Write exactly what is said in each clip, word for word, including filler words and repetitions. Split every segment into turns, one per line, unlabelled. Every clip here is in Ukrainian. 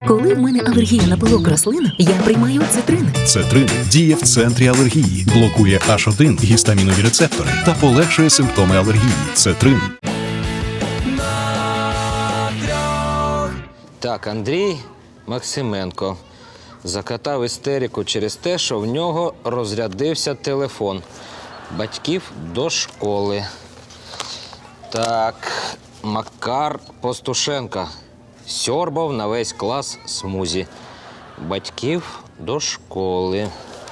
Коли в мене алергія на пилок рослин, я приймаю цитрин.
Цетрин діє в центрі алергії, блокує аш один гістамінові рецептори та полегшує симптоми алергії. Цетрин.
Так, Андрій Максименко закатав істерику через те, що в нього розрядився телефон. Батьків до школи. Так, Макар Постушенко сьорбав на весь клас смузі. Батьків до школи.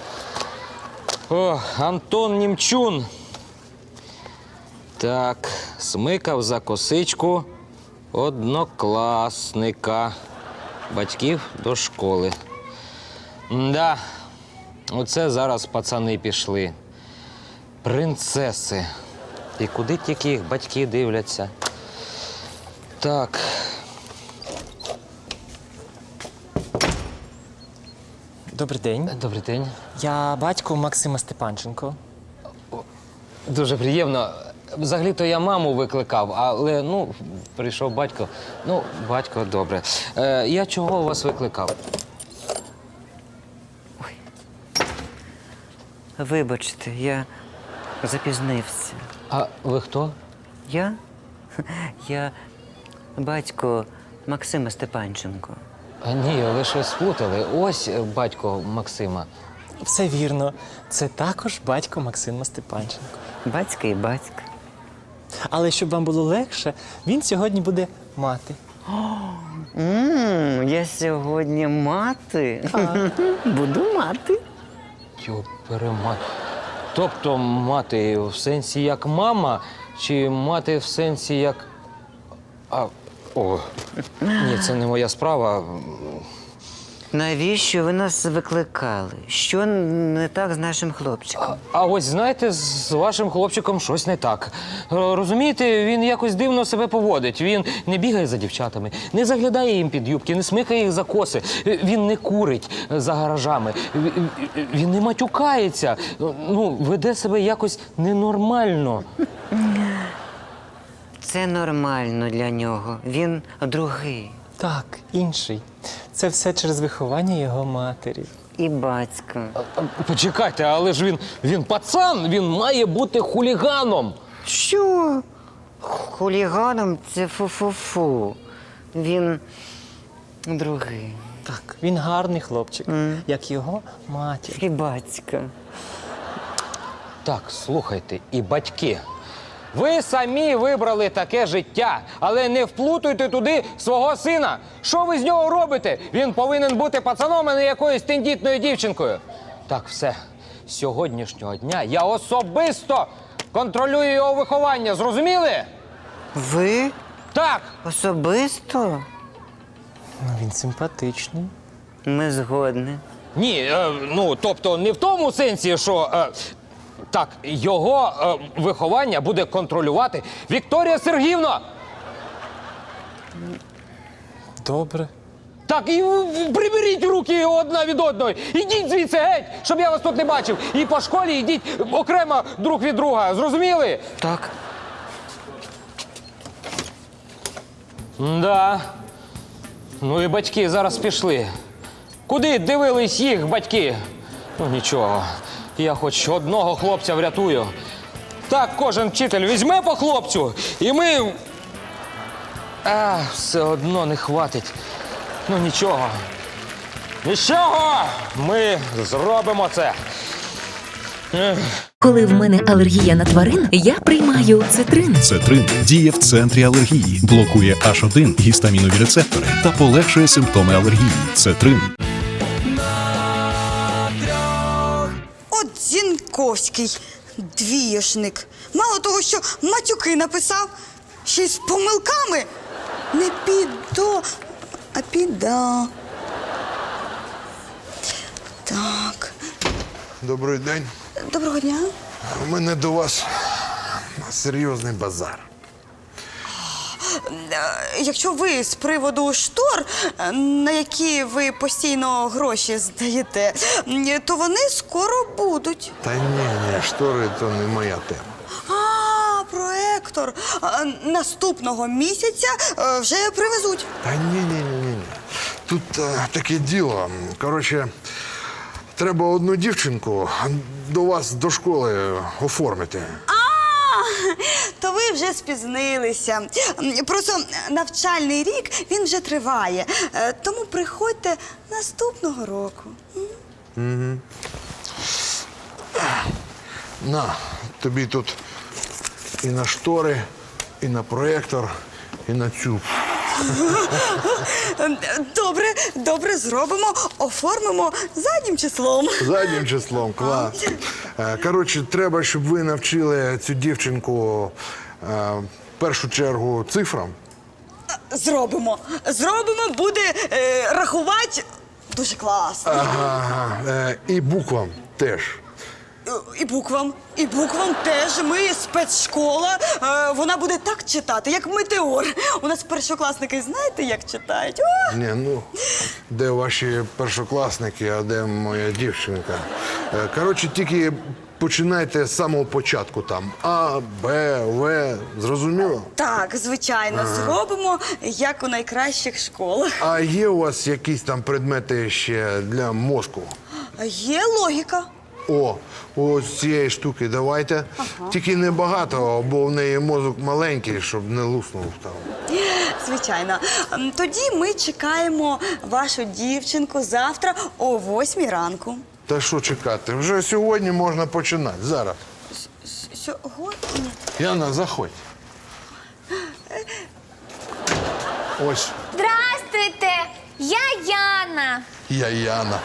О, Антон Німчун. Так, смикав за косичку однокласника. Батьків до школи. Да, оце зараз пацани пішли. Принцеси. І куди тільки їх батьки дивляться. Так.
Добрий день.
Добрий день.
Я батько Максима Степанченко.
Дуже приємно. Взагалі-то я маму викликав, але, ну, прийшов батько. Ну, батько, добре. Е, я чого вас викликав?
Вибачте, я запізнився.
А ви хто?
Я? Я батько Максима Степанченко.
А ні, ви щось сплутали. Ось батько Максима.
Все вірно. Це також батько Максима Степанченко.
Батька і батька.
Але щоб вам було легше, він сьогодні буде мати.
Ммм, я сьогодні мати. Буду мати.
Йо, перемат. Тобто мати в сенсі як мама, чи мати в сенсі як... А, о, ні, це не моя справа.
Навіщо ви нас викликали? Що не так з нашим хлопчиком?
А ось, знаєте, з вашим хлопчиком щось не так. Е, Розумієте, він якось дивно себе поводить. Він не бігає за дівчатами, не заглядає їм під юбки, не смикає їх за коси. Е, Він не курить за гаражами, Ві- ві- він не матюкається. Ну, веде себе якось ненормально.
Це нормально для нього. Він другий.
Так, інший. Це все через виховання його матері.
І батька.
А, Почекайте, але ж він, він пацан, він має бути хуліганом.
Що? Хуліганом це фу-фу-фу. Він другий.
Так, він гарний хлопчик, як його матір.
І батька.
Так, слухайте, і батьки. Ви самі вибрали таке життя, але не вплутуйте туди свого сина. Що ви з нього робите? Він повинен бути пацаном, а не якоюсь тендітною дівчинкою. Так, все. З сьогоднішнього дня я особисто контролюю його виховання. Зрозуміли?
Ви?
Так.
Особисто?
Ну, він симпатичний.
Ми згодні.
Ні, е, ну, тобто не в тому сенсі, що... Е, так, його е, виховання буде контролювати Вікторія Сергіївна.
Добре.
Так, і в- приберіть руки одна від одної. Ідіть звідси геть, щоб я вас тут не бачив. І по школі йдіть окремо друг від друга. Зрозуміли?
Так.
Да. Ну і батьки зараз пішли. Куди дивились їх батьки? Ну нічого, я хоч одного хлопця врятую. Так, кожен вчитель візьме по хлопцю, і ми... А, все одно не хватить. Ну нічого. Нічого! Ми зробимо це. Ех.
Коли в мене алергія на тварин, я приймаю цитрин.
Цетрин діє в центрі алергії, блокує аш один гістамінові рецептори та полегшує симптоми алергії. Цетрин.
От Зінковський двієшник. Мало того, що матюки написав, ще й з помилками. Не підо, а піда. Так.
Добрий день.
Доброго дня.
У мене до вас серйозний базар.
Е, Якщо ви з приводу штор, е, на які ви постійно гроші здаєте, е, то вони скоро будуть.
Та ні, ні, штори то не моя тема.
А, проектор. Е, Наступного місяця е, вже привезуть.
Та ні, ні, ні, ні. тут е, таке діло. Коротше, треба одну дівчинку до вас до школи оформити.
То ви вже спізнилися. Просто навчальний рік, він вже триває. Е, Тому приходьте наступного року.
На, тобі тут і на штори, і на проєктор, і на цю.
Добре, добре, зробимо, оформимо заднім числом.
Заднім числом, клас. Е, Коротше, треба, щоб ви навчили цю дівчинку е, в першу чергу цифрам.
Зробимо. Зробимо, буде е, рахувати дуже класно.
Ага, е, і буквам теж.
Е, І буквам, і буквам теж. Ми спецшкола. Е, Вона буде так читати, як метеор. У нас першокласники знаєте, як читають? О!
Ні, ну, де ваші першокласники, а де моя дівчинка? Е, Коротше, тільки починайте з самого початку там. А, Б, В, зрозуміло?
Так, звичайно, зробимо, як у найкращих школах.
А є у вас якісь там предмети ще для мозку?
Є логіка.
О, ось цієї штуки давайте. Тільки не багато, бо в неї мозок маленький, щоб не луснув там.
Звичайно. М, Тоді ми чекаємо вашу дівчинку завтра о восьмій ранку.
Та що чекати? Вже сьогодні можна починати. Зараз.
С- Сьогодні?
Яна, заходь. Ось,
Здрастуйте! Я Яна.
я Яна.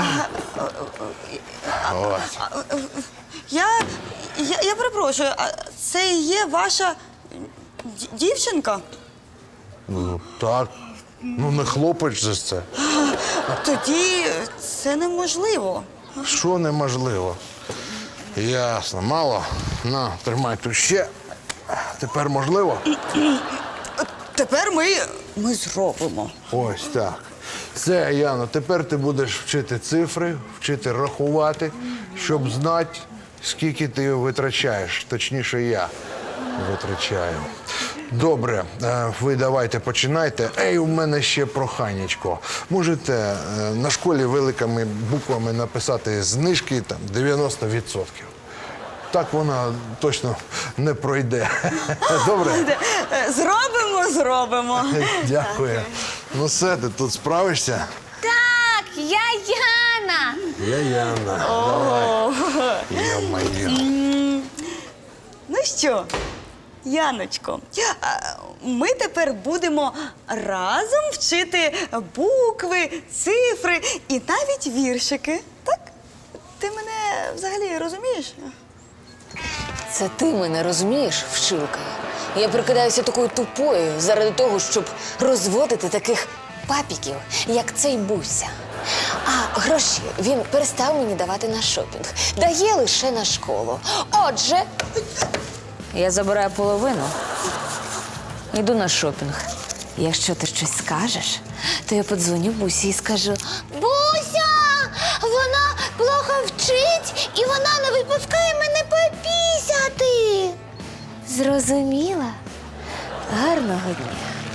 Ось.
Я, я, я перепрошую, а це і є ваша д- дівчинка?
Ну, так. Ну, не хлопець же це.
Тоді це неможливо.
Що неможливо? Ясно, мало. На, тримай тут ще. Тепер можливо?
Тепер ми, ми зробимо.
Ось так. Все, Яно, тепер ти будеш вчити цифри, вчити рахувати, щоб знати, скільки ти витрачаєш. Точніше, я витрачаю. Добре, е, ви давайте починайте. Ей, у мене ще проханечко. Можете е, на школі великими буквами написати знижки там дев'яносто відсотків. Так вона точно не пройде. Добре?
Е, Зробимо, зробимо.
Дякую. Ну все, ти тут справишся?
Так, я Яна.
Я Яна. Давай. Йо-моє.
Ну що, Яночко, а, ми тепер будемо разом вчити букви, цифри і навіть віршики. Так? Ти мене взагалі розумієш?
Це ти мене розумієш, вчилка? Я прикидаюся такою тупою заради того, щоб розводити таких папіків, як цей Буся. А гроші він перестав мені давати на шопінг. Дає лише на школу. Отже, я забираю половину, йду на шопінг. Якщо ти щось скажеш, то я подзвоню Бусі і скажу:
Буся! Вона плохо вчить і вона не випускає мене попісяти.
зрозуміла? Гарного дня.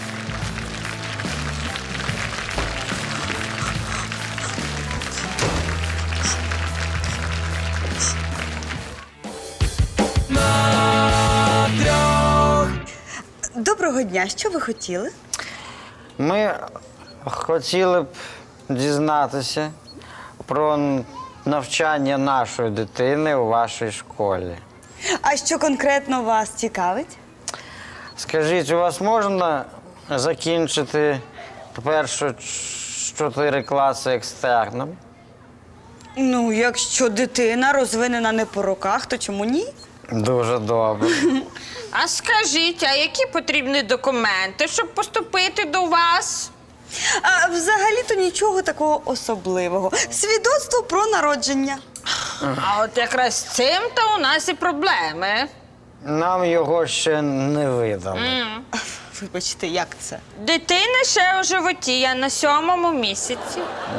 Доброго дня, що ви хотіли?
Ми хотіли б дізнатися про навчання нашої дитини у вашій школі.
А що конкретно вас цікавить?
Скажіть, у вас можна закінчити перші чотири класи екстерном?
Ну, якщо дитина розвинена не по роках, то чому ні?
Дуже добре.
А скажіть, а які потрібні документи, щоб поступити до вас?
А взагалі-то нічого такого особливого. Свідоцтво про народження.
А от якраз з цим-то у нас і проблеми.
Нам його ще не видали.
Вибачте, як це?
Дитина ще у животі, я на сьомому місяці.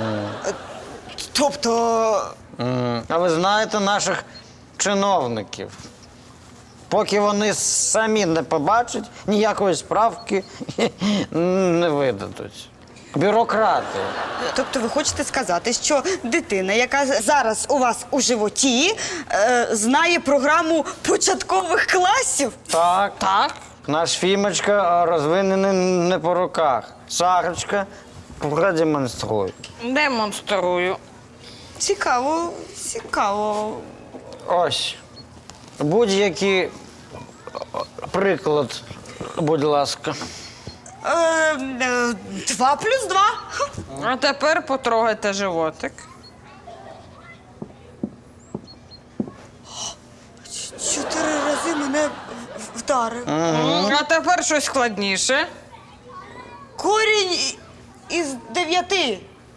Тобто.
М, А ви знаєте наших чиновників? Поки вони самі не побачать, ніякої справки не видадуть. бюрократи.
Тобто ви хочете сказати, що дитина, яка зараз у вас у животі, е, знає програму початкових класів?
Так. Так. Наш Фімочка розвинений не по руках. Сарочка, продемонструй.
Демонструю.
Цікаво, цікаво.
Ось. Будь-який приклад, будь ласка.
Е, е, два плюс два.
А тепер потрогайте животик.
Чотири рази мене в- вдарив.
А тепер щось складніше.
Корінь і- із дев'яти.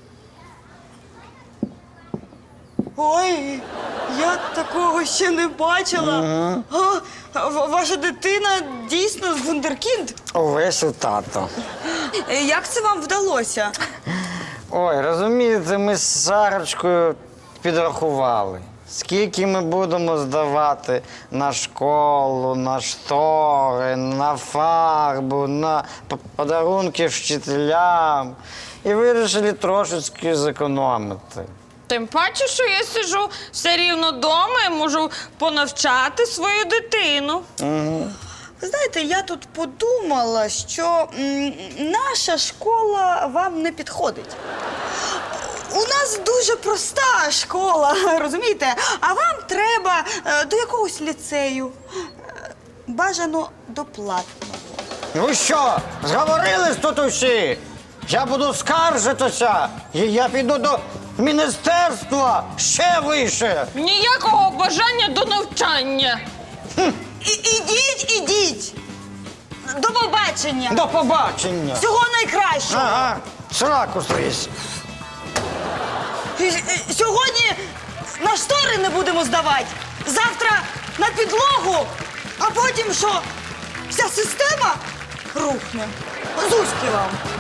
Ой, я такого ще не бачила. А, в- ваша дитина дійсно з вундеркінд?
Увесь у тато.
Е, Як це вам вдалося?
Ой, розумієте, ми з Сарочкою підрахували, скільки ми будемо здавати на школу, на штори, на фарбу, на п- подарунки вчителям. І вирішили трошечки зекономити.
Тим паче, що я сиджу все рівно вдома і можу понавчати свою дитину.
Ви знаєте, я тут подумала, що м, наша школа вам не підходить. У нас дуже проста школа, розумієте? А вам треба е, до якогось ліцею. Е, Бажано до платного.
Ну що, зговорились тут усі? Я буду скаржитися, і я піду до міністерства ще вище.
Ніякого бажання до навчання.
І, ідіть, ідіть! До побачення!
До побачення.
Всього найкращого!
Ага, сраку стрись.
І- і- Сьогодні на штори не будемо здавати, завтра на підлогу, а потім що? Вся система рухне. Зузьки вам!